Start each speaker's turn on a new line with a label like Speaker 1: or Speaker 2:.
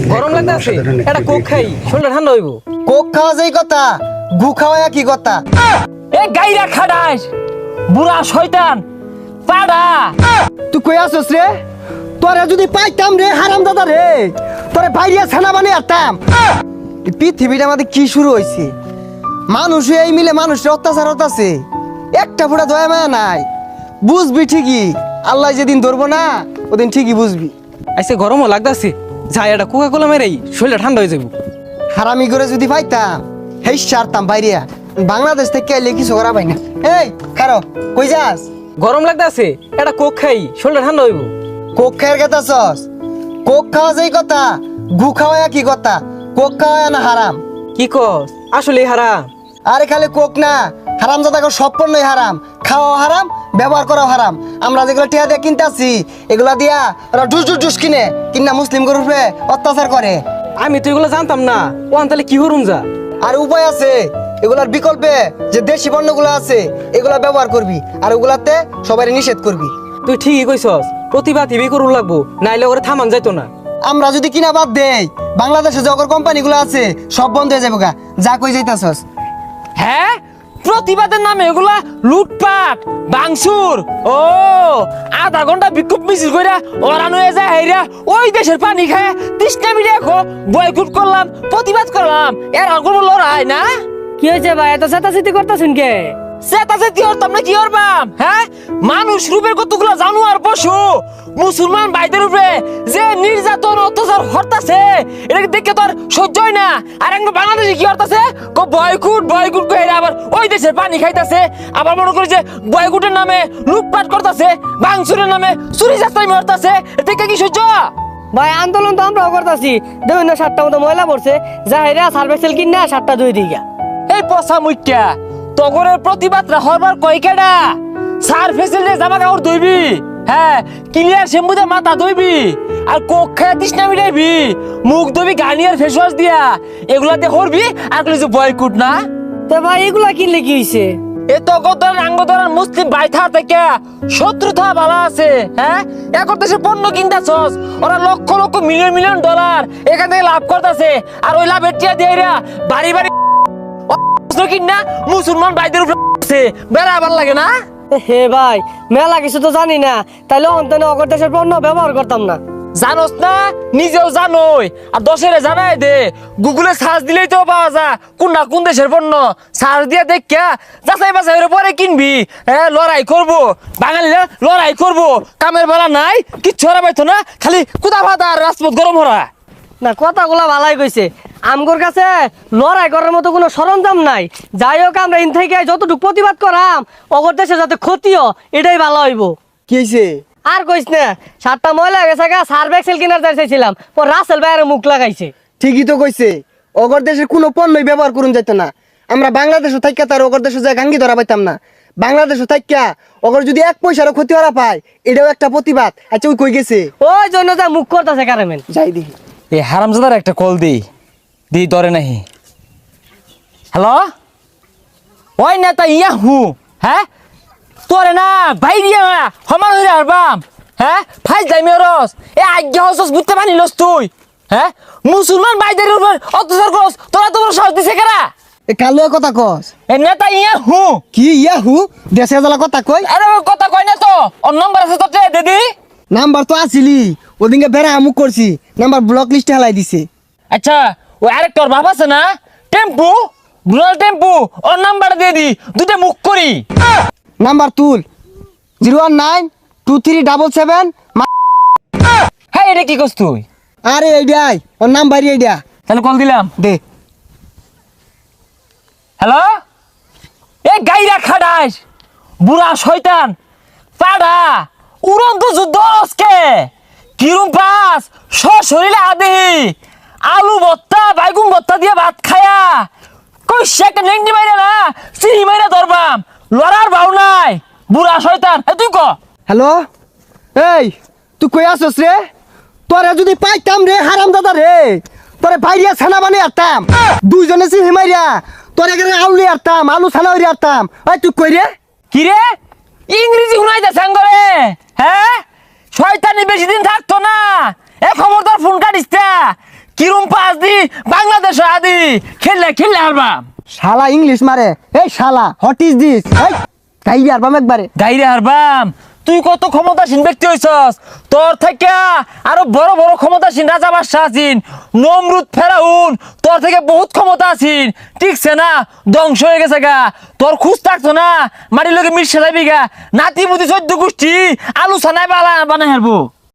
Speaker 1: গরম লাগতেছে এটা কোক খাই শরীরটা ঠান্ডা হইব।
Speaker 2: কোক খাওয়া যাই কথা, গু খাওয়া কি কথা?
Speaker 1: এ গাইরা খাডাস বুড়া শয়তান পাড়া।
Speaker 2: তুই কই আসছ রে? তোরে যদি পাইতাম রে হারাম দাদা রে, তোরে বাইরিয়া ছানা বানিয়ে আরতাম। এই পৃথিবীটা আমাদের কি শুরু হইছে? মানুষ এই মিলে মানুষের অত্যাচার হতাছে, একটা ফোঁটা দয়া মায়া নাই। বুঝবি ঠিকই, আল্লাহ যেদিন ধরবো না ওদিন ঠিকই বুঝবি।
Speaker 1: আইসে গরমও লাগতাছে, যাই এটা কোকা কোলা মেরেই শরীরটা ঠান্ডা হয়ে যাব।
Speaker 2: হারামি করে যদি পাইতাম হেই সারতাম বাইরিয়া। বাংলাদেশ থেকে এলে কিছু করা পাই না। এই খারো, কই যাস?
Speaker 1: গরম লাগতাছে এটা কোক খাই শরীরটা ঠান্ডা হইব।
Speaker 2: কোক খাওয়ার কথা সস? কোক খাওয়া যাই কথা, গু খাওয়া কি কথা? কোক খাওয়া না হারাম?
Speaker 1: কি কস আসলে হারাম?
Speaker 2: আরে খালি কোক না, হারাম জাদাকে সব পণ্যই হারাম। খাওয়া হারাম, ব্যবহার করাও হারাম। আমরা যেগুলো টিয়া দিয়ে কিনতেছি এগুলা দিয়া ওরা ডুস ডুস ডুস কিনা মুসলিম গরুর উপরে অত্যাচার করে।
Speaker 1: আমি তো এগুলো জানতাম না, ও তাহলে কি হরুম যা।
Speaker 2: আর উপায় আছে, এগুলার বিকল্পে যে দেশি পণ্যগুলো আছে এগুলা ব্যবহার করবি, আর ওগুলাতে সবাই নিষেধ করবি।
Speaker 1: তুই ঠিকই কইছস, প্রতিভা টিভি করুন লাগবো, নাইলে ওরে থামান যাইতো না।
Speaker 2: আমরা যদি কিনা বাদ দেই বাংলাদেশে যে অগর কোম্পানিগুলো আছে সব বন্ধ হয়ে যাবো গা। যা কই যাইতাছস?
Speaker 1: হ্যাঁ, প্রতিবাদের নামে এগুলা লুটপাট বাংসুর। ও আধা ঘন্টা বিক্ষোভ মিছিল কইরা ওরান হয়ে যায় হাইরা ওই দেশের পানি খায় তৃষ্ণা মিলে বয়কুট করলাম, প্রতিবাদ করলাম, এর আর কোনো লড়াই না।
Speaker 3: কি হয়েছে ভাই, এত চেতাচেতি করতেছেন কে?
Speaker 1: চেতাচেতি হরতাম না কি হরবাম? হ্যাঁ, মানুষ রূপের কতগুলো জানোয়ার পশু মুসলমান ভাইদের উপরে যে নির্যাতন অত্যাচার হরতাছে এটাকে দেখে তোর সহ্য হয় না। আর একবার বাংলাদেশে কি হরতাছে, বয়কুট বয়কুট করে আবার ওই দেশের পানি খাইতাছে, আবার মনে করি যে বয়কুটের নামে লুটপাট করতেছে, ভাঙচুরের নামে চুরি চাস্তাই হরতাছে, দেখে কি সহ্য?
Speaker 3: ভাই আন্দোলন তো আমরাও করতেছি, দেখুন না 7টা মতো ময়লা পড়ছে, যাহেরা সার্ভেসেল কিনা 7টা ধুই দিগা।
Speaker 1: এই পচা মুখ্যা তগরের প্রতিবাদরা হরবার কয়কেডা? সার ফেসিলে জামা কাপড় ধুইবি, হ্যাঁ ক্লিয়ার শ্যাম্পুতে মাথা ধুইবি, আর কোক খায় তৃষ্ণা মিটাইবি, মুখ ধুবি গার্নিয়ার ফেস ওয়াশ দিয়া, এগুলাতে করবি আর কইলি যে বয়কুট না।
Speaker 3: তো ভাই এগুলা কিনলে কি হইছে?
Speaker 1: এ তগর আঙ্গদরার মুসলিম বাইথা থেকে শত্রুতা বালা আছে। হ্যাঁ, এখন দেশে পণ্য কিনতাছস, ওরা লক্ষ লক্ষ মিলিয়ন মিলিয়ন ডলার এখান থেকে লাভ করতেছে, আর ওই লাভের টিয়া দিয়ে বাড়ি বাড়ি কিনা মুসলমান ভাইদের উপরে বেড়া আবার লাগে না।
Speaker 3: হে ভাই মেলা কিছু তো জানি না, তাইলে অন্তনে অগর দেশের পণ্য ব্যবহার করতাম না।
Speaker 1: জানোস না, নিজেও জানোই, আর দশেরে জানাই দে, গুগলে সার্চ দিলেই তো পাওয়া যায় কোন দেশের পণ্য। সার্চ দিয়ে দেখা যাচাই বাছাই পরে কিনবি। হ্যাঁ, লড়াই করবো বাঙালিরা, লড়াই করবো, কামের বেলা নাই, কিচ্ছু হরা পাইতো না, খালি কুদা ভাতা আর রাজপথ গরম হরা।
Speaker 3: না কথাগুলা ভালাই কইছে, আমগোর কাছে লড়াই করার মতো কোনো সরঞ্জাম নাই। যাই হোক আমরা ইন থেকে যতটুকু প্রতিবাদ করাম অগর দেশে যাতে ক্ষতিও এটাই ভালো হইব।
Speaker 2: কি হয়েছে?
Speaker 3: আর কইস না, 7টা ময়লা গেছে গা, সার্ভেক্সেল কিনার চাইছিলাম, ও রাসেল ভাইয়ের মুখ লাগাইছে।
Speaker 2: ঠিকই তো কইছে, অগর দেশের কোনো পণ্যই ব্যবহার করুন যাইতো না। আমরা বাংলাদেশও থাইকা তার অগর দেশে যায় গাঙ্গি ধরা পাইতাম না। বাংলাদেশও থাইকা অগর যদি 1 পয়সারও ক্ষতি হরা পায় এটাও একটা প্রতিবাদ। আচ্ছা ওই কই গেছে?
Speaker 3: ওই জন্য যা মুখ করতেছে কারেমেন।
Speaker 2: যাই দেখি।
Speaker 1: এই হারামজাদার একটা কল দি ধরে নাহি। হ্যালো, ওই নেতা ইয়া হু, হ্যাঁ তোরে না বাইরিয়া সমান হইরে হারবাম। হ্যাঁ, ফাইজ যাই মেরস এ আজ্ঞা হসস বুঝতে পারিলস তুই? হ্যাঁ, মুসলমান ভাইদের উপর অত্যাচার করস, তোরা তো সাহস দিছে কেরা?
Speaker 2: এ কালো কথা কস?
Speaker 1: এ নেতা ইয়া হু।
Speaker 2: কি ইয়াহু? দেশে জ্বালা কথা কই?
Speaker 1: আরে ওই কথা কই না তো, ওর নম্বর আছে তো দিদি।
Speaker 2: নাম্বার তো আসিলি, ওদিনকে বেড়া আমুক করছি, নাম্বার ব্লক লিস্টে হেলাই দিছে।
Speaker 1: আচ্ছা, ওই আরেকটা ওর বাপ আছে না, টেম্পু, রুরাল টেম্পু, ওর নাম্বার দিয়ে দি, দুটো মুখ করি।
Speaker 2: নাম্বার তুল 0192377।
Speaker 1: হ্যাঁ, এটা কি করছ তুই?
Speaker 2: আরে এইডাই ওর নাম্বার এইডা।
Speaker 1: তাহলে কল দিলাম
Speaker 2: দে।
Speaker 1: হ্যালো, এ গাইরা খাডাস বুড়া শয়তান পাড়া উড়ন্ত যুদ্ধ আজকে কিরম পাস শরীরে আদেহি আলু ভর্তা বাইগুন ভর্তা দিয়ে ভাত খায়া কই শেকে নেংটি মাইরা না চিনি মাইরা ধরবাম, লড়ার ভাও নাই বুড়া শয়তান। তুই ক
Speaker 2: হ্যালো, এই তুই কই আসছ রে? তোরে যদি পাইতাম রে হারাম দাদা রে, তোরে বাইরিয়া ছানা বানিয়ে আরতাম, দুইজনে চিনি মাইরা তোরে এখানে আউলি আরতাম, আলু ছানা হইরে আরতাম। ওই তুই কই রে?
Speaker 1: কি রে ইংরেজি শুনাইতে সাঙ্গরে? হ্যাঁ, শয়তানি বেশি দিন থাকতো না, এ খবরদার ফোন কাটিস না। কিরম পাস দি বাংলাদেশ আদি খেললে হারবাম।
Speaker 2: শালা ইংলিশ মারে, এই শালা হোয়াট ইজ দিস, এই গাইরে আরবাম একবারে।
Speaker 1: গাইরে হারবাম, তুই কত ক্ষমতাসীন ব্যক্তি হইছস, তোর থেকে আরো বড় বড় ক্ষমতাসীন রাজা বাদশাহ আছেন, নমরুদ ফেরাউন তোর থেকে বহুত ক্ষমতা আছেন, ঠিকছে না? ধ্বংস হয়ে গেছে গা, তোর খুঁজ থাকতো না, মাটির লোকে মিশে যাবি গা, নাতি মুতি 14 গোষ্ঠী আলু ছানায় বানাই হারবো।